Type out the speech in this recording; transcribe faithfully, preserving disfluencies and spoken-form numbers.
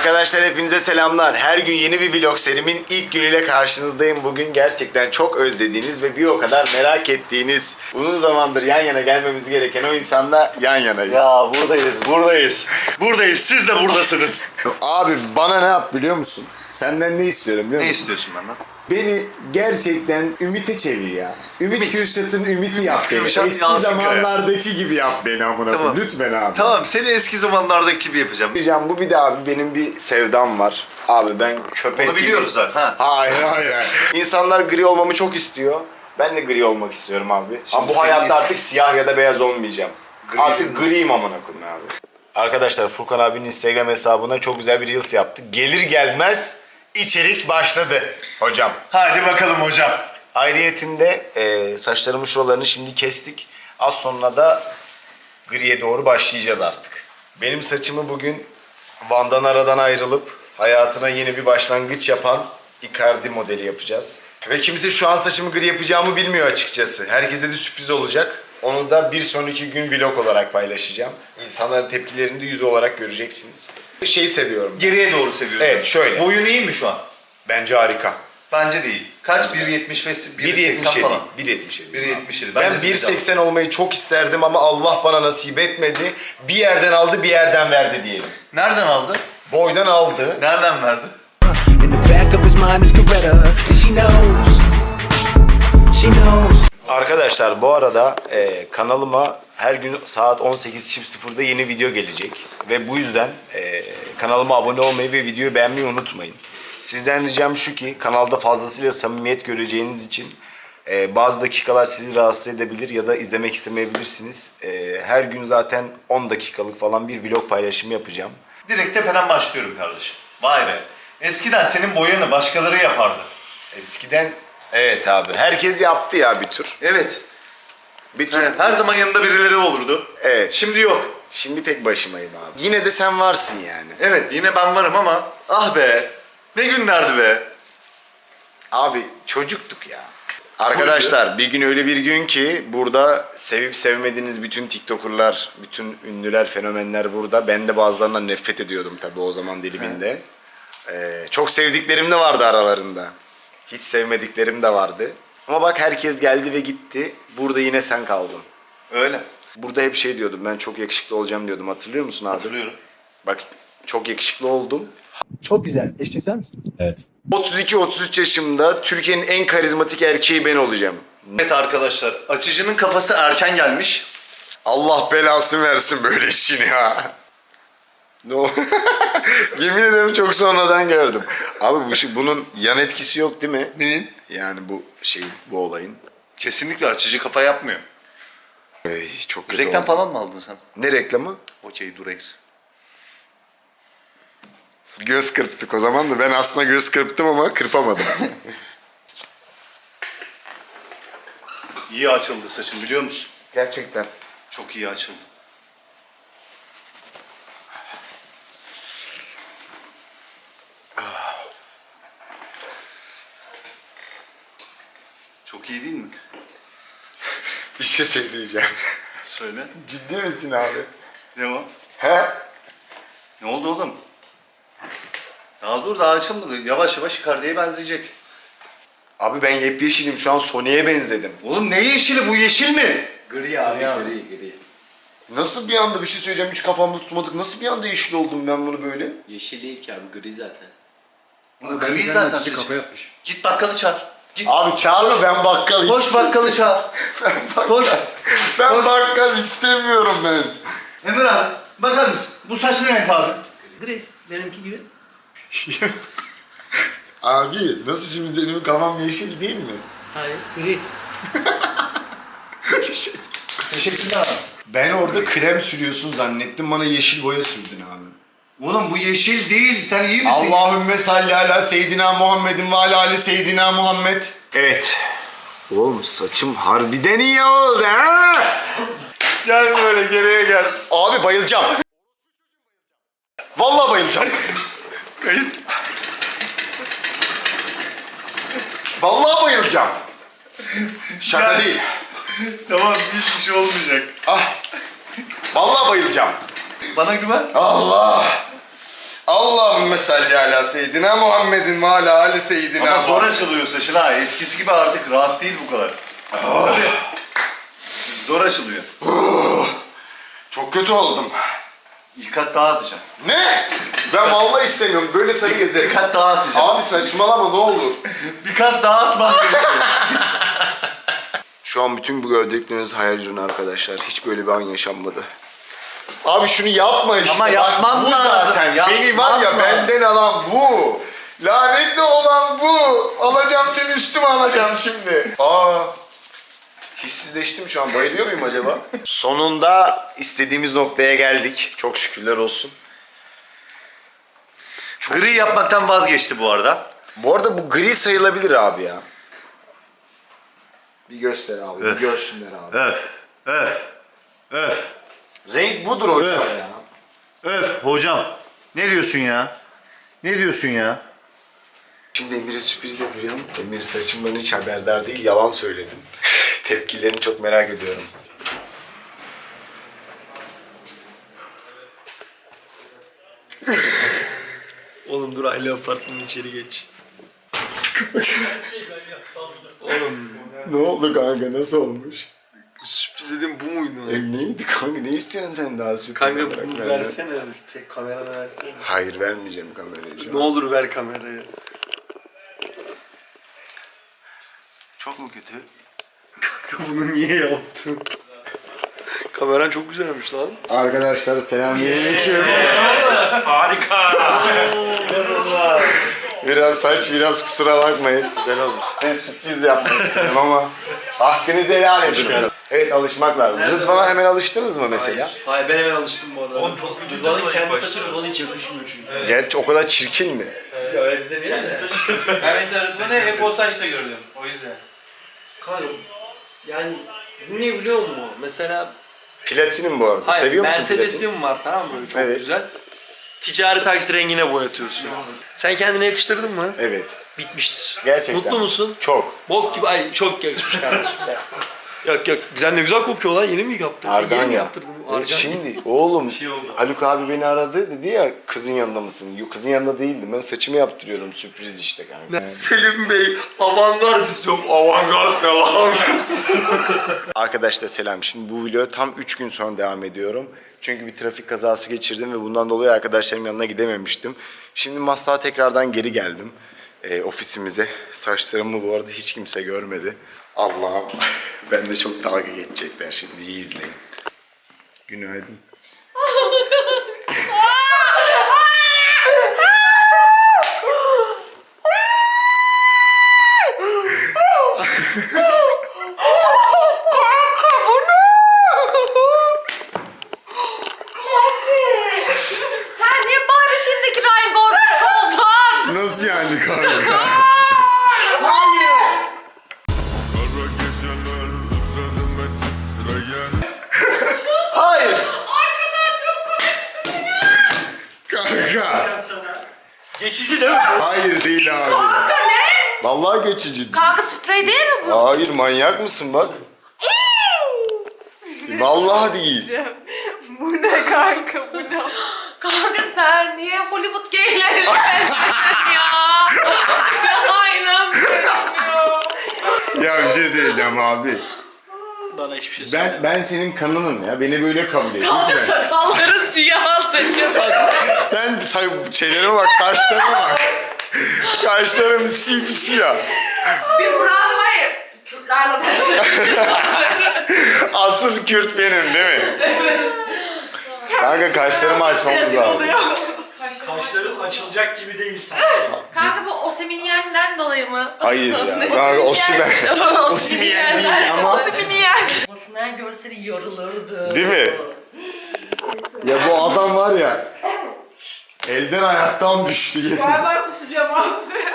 Arkadaşlar hepinize selamlar. Her gün yeni bir vlog serimin ilk günüyle karşınızdayım. Bugün gerçekten çok özlediğiniz ve bir o kadar merak ettiğiniz, uzun zamandır yan yana gelmemiz gereken o insanla yan yanayız. Ya buradayız, buradayız. Buradayız, siz de buradasınız. Abi bana ne yap biliyor musun? Senden ne istiyorum biliyor Ne musun? istiyorsun benden? Beni gerçekten Ümit'e çevir ya. Ümit, Ümit. Kürşat'ın Ümit'i yap beni. Kürşat Eski Yazgı zamanlardaki gibi yap beni amına Tamam. koyayım. Lütfen abi. Tamam, seni eski zamanlardaki gibi yapacağım. Diyeceğim bu bir de abi benim bir sevdam var. Abi ben köpek Bunu biliyoruz gibi... zaten. Ha. Hayır hayır hayır. İnsanlar gri olmamı çok istiyor. Ben de gri olmak istiyorum abi. Ama bu senin hayatta is- artık siyah ya da beyaz olmayacağım. Gri artık mi? griyim amına koyayım abi. Arkadaşlar Furkan abinin Instagram hesabına çok güzel bir reels yaptı. Gelir gelmez içerik başladı hocam. Hadi bakalım hocam. Ayrıyetinde e, saçlarımın şuralarını şimdi kestik. Az sonra da griye doğru başlayacağız artık. Benim saçımı bugün Van'dan aradan ayrılıp hayatına yeni bir başlangıç yapan Icardi modeli yapacağız. Ve kimse şu an saçımı gri yapacağımı bilmiyor açıkçası. Herkese de sürpriz olacak. Onu da bir sonraki gün vlog olarak paylaşacağım. İnsanların tepkilerini de yüz olarak göreceksiniz. Şeyi seviyorum. Geriye doğru seviyorsun. Evet, şöyle. Boyun iyi mi şu an? Bence harika. Bence değil. Kaç? bir yetmiş beş, bir yetmiş yedi. bir yetmiş yedi. bir yetmiş yedi. Ben bir seksen olmayı çok isterdim ama Allah bana nasip etmedi. Bir yerden aldı, bir yerden verdi diyelim. Nereden aldı? Boydan aldı. Nereden verdi? In the back of his mind is Coretta, and she knows, she knows. Arkadaşlar bu arada e, kanalıma her gün saat on sekiz sıfırda yeni video gelecek. Ve bu yüzden e, kanalıma abone olmayı ve videoyu beğenmeyi unutmayın. Sizden ricam şu ki kanalda fazlasıyla samimiyet göreceğiniz için e, bazı dakikalar sizi rahatsız edebilir ya da izlemek istemeyebilirsiniz. E, her gün zaten on dakikalık falan bir vlog paylaşımı yapacağım. Direkt tepeden başlıyorum kardeşim. Vay be. Eskiden senin boyanı başkaları yapardı. Eskiden evet abi herkes yaptı ya bir tür. Evet. Bir tür. Evet. Her zaman yanında birileri olurdu. Evet. Şimdi yok. Şimdi tek başımayım abi. Yine de sen varsın yani. Evet, yine ben varım ama ah be. Ne günlerdi be. Abi çocuktuk ya. Arkadaşlar bir gün öyle bir gün ki burada sevip sevmediğiniz bütün TikToker'lar, bütün ünlüler, fenomenler burada. Ben de bazılarından nefret ediyordum tabii o zaman diliminde. Ee, çok sevdiklerim de vardı aralarında. Hiç sevmediklerim de vardı. Ama bak herkes geldi ve gitti. Burada yine sen kaldın. Öyle. Burada hep şey diyordum, ben çok yakışıklı olacağım diyordum. Hatırlıyor musun abi? Hatırlıyorum. Bak çok yakışıklı oldum. Çok güzel. Eşcinsel misin? Evet. otuz iki otuz üç yaşımda Türkiye'nin en karizmatik erkeği ben olacağım. Evet arkadaşlar, açıcının kafası erken gelmiş. Allah belasını versin böyle işini ya. No. Yemin ederim çok sonradan gördüm. Abi bu şey, bunun yan etkisi yok değil mi? Neyin? Yani bu şey, bu olayın. Kesinlikle açıcı kafa yapmıyor. Ey, çok kötü Reklam oldu. falan mı aldın sen? Ne reklamı? Okey, Durex. Göz kırptık o zaman da ben aslında göz kırptım ama kırpamadım. İyi açıldı saçın biliyor musun? Gerçekten. Çok iyi açıldı. Çok iyi değil mi? Bir şey söyleyeceğim. Söyle. Ciddi misin abi? Ne o? He? Ne oldu oğlum? Daha dur, daha açılmadı. Yavaş yavaş Icardi'ye benzeyecek. Abi ben yepyeşilim şu an Sony'e benzedim. Oğlum ne yeşili, bu yeşil mi? Gri abi, gri, gri. Nasıl bir anda bir şey söyleyeceğim hiç kafamda tutmadık. Nasıl bir anda yeşil oldum ben bunu böyle? Yeşil değil ki abi, gri zaten. Oğlum, Ben gri sen zaten. açıcı kafa yapmış. Git bakkalı çağır. Git. Abi çağırma ben bakkal Koş istemiyorum. bakkalı çağır. Koş. Ben bakkal istemiyorum ben. Emir abi bakar mısın? Bu saç ne renk abi? Gri, benimki gibi. Abi nasıl şimdi benim kafam yeşil değil mi? Hayır, gri. Teşekkürler abi. Ben orada krem sürüyorsun zannettim bana yeşil boya sürdün abi. Oğlum bu yeşil değil. Sen iyi misin? Allahümme salli ala seyyidina Muhammedin ve ala ali seyyidina Muhammed. Evet. Oğlum saçım harbiden iyi oldu ha. Gel böyle geriye gel. Abi bayılacağım. Vallahi bayılacağım. Kayıt. Vallahi bayılacağım. Şaka Gel. değil. Tamam, hiçbir şey olmayacak. Ah. Vallahi bayılacağım. Bana güven. Allah. Allahümme salli ala seyyidina Muhammedin ve ala ali seyyidina Ama zor açılıyor saçın ha. Eskisi gibi artık rahat değil bu kadar. Tabii. Zor açılıyor. Çok kötü oldum. İki kat daha atacağım. Ne? Ben vallahi istemiyorum. Böyle sarı Bir gezerim. kat daha atacağım. Abi saçmalama ne olur. Bir kat daha atmam gerekiyor. Şu an bütün bu gördükleriniz hayal ürünü arkadaşlar. Hiç böyle bir an yaşanmadı. Abi şunu yapma işte. Ama Bak, yapmam bu lazım. zaten. Yapmam Beni var ya lazım. benden alan bu. Lanetli olan bu. Alacağım seni üstüme alacağım şimdi. Aa. Hissizleştim şu an. Bayılıyor muyum acaba? Sonunda istediğimiz noktaya geldik. Çok şükürler olsun. Gri yapmaktan vazgeçti bu arada. Bu arada bu gri sayılabilir abi ya. Bir göster abi. Öf. Bir görsünler abi. Öf. Öf. Öf. Renk budur hocam Öf. ya. Öf. Hocam. Ne diyorsun ya? Ne diyorsun ya? Şimdi Emir'e sürpriz yapacağım. Emir saçımdan hiç haberdar değil, yalan söyledim. Tepkilerini çok merak ediyorum. Oğlum dur aile apartmanın içeri geç. Oğlum Ne oldu kanka, nasıl olmuş? sürpriz dedim bu muydu? E neydi kanka, ne istiyorsun sen daha sürpriz Kanka olarak bunu benden? versene. Tek kamerada versene. Hayır vermeyeceğim kamerayı şu Ne an. olur ver kamerayı. Çok mu kötü? Kanka bunu niye yaptın? Kameran çok güzelmiş lan. Arkadaşlar selamünaleyküm. Biraz saç, biraz kusura bakmayın. Güzel olmuş. Size sürpriz yapmak istedim ama hakkınızı helal edin. Evet, alışmak lazım. Rıdvan'a hemen alıştınız mı mesela? Hayır ben hemen alıştım bu arada. Oğlum çok kötü Rıdvan'ın Rıdvan'ın kendi başta. saçı Rıdvan'a hiç yakışmıyor çünkü. Gerçi o kadar çirkin mi? Ya öyle de demeyelim de. Ben mesela Rıdvan'ı hep o saçta gördüm. O yüzden. Kanka yani bu ne biliyor musun? Mesela Platinim bu arada. hayır Seviyor musun platini? Mercedes'im var tamam mı? Böyle çok Evet. güzel. S- Ticari taksi rengine boyatıyorsun. Sen kendine yakıştırdın mı? Evet. Bitmiştir. Gerçekten. Mutlu musun? Çok. Bok gibi ay çok yakışmış kardeşim. Yok yok güzel ne güzel kokuyor lan yeni mi yaptırdın? Sen yeni Argan mi ya. yaptırdın? Evet, Argan. şimdi oğlum şey oldu. Haluk abi beni aradı dedi ya kızın yanında mısın? Yok, kızın yanında değildim. Ben saçımı yaptırıyordum, sürpriz işte kanka. Selim Bey avantgard istiyorum. Avantgard ne lan? Arkadaşlar selam. Şimdi bu video tam üç gün sonra devam ediyorum. Çünkü bir trafik kazası geçirdim ve bundan dolayı arkadaşlarım yanına gidememiştim. Şimdi Maslak'a tekrardan geri geldim. Ee, ofisimize. Saçlarımı bu arada hiç kimse görmedi. Allah'ım. Ben de çok dalga geçecekler şimdi. İyi izleyin. Günaydın. Sen niye bari filmdeki Ryan Gosling oldun? Nasıl yani kanka? Kara geceler üzerime titreyen Hayır. Kanka. Geçici değil mi? Hayır değil abi. Kanka ne? Vallahi geçici. Kanka sprey değil mi bu? Hayır, manyak mısın bak. Vallahi değil. Bu ne kanka bu ne? Kanka sen niye Hollywood gayleri benzettin ya? Ya inanmıyorum ya. Ya bir şey söyleyeceğim abi. Bana hiçbir şey söyle. Ben ben senin kanınım ya. Beni böyle kabul et. Kaldır lütfen. sakalları siyah saçım. Sen say şeylerime bak, kaşlarıma bak. Kaşlarım sipsiyah. Bir Burak'ın var ya. Kürtlerle ters. Asıl Kürt benim değil mi? Kanka kaşlarımı açmamız lazım. Kaşların açılacak gibi değil sanki. Kanka bu Osimhen'den dolayı mı? Hayır ya. Kanka Osimhen. Osimhen değil ama- Osimhen. Osimhen görseli yarılırdı. Değil mi? Ya bu adam var ya. Elden ayaktan düştü. Ben kusacağım abi.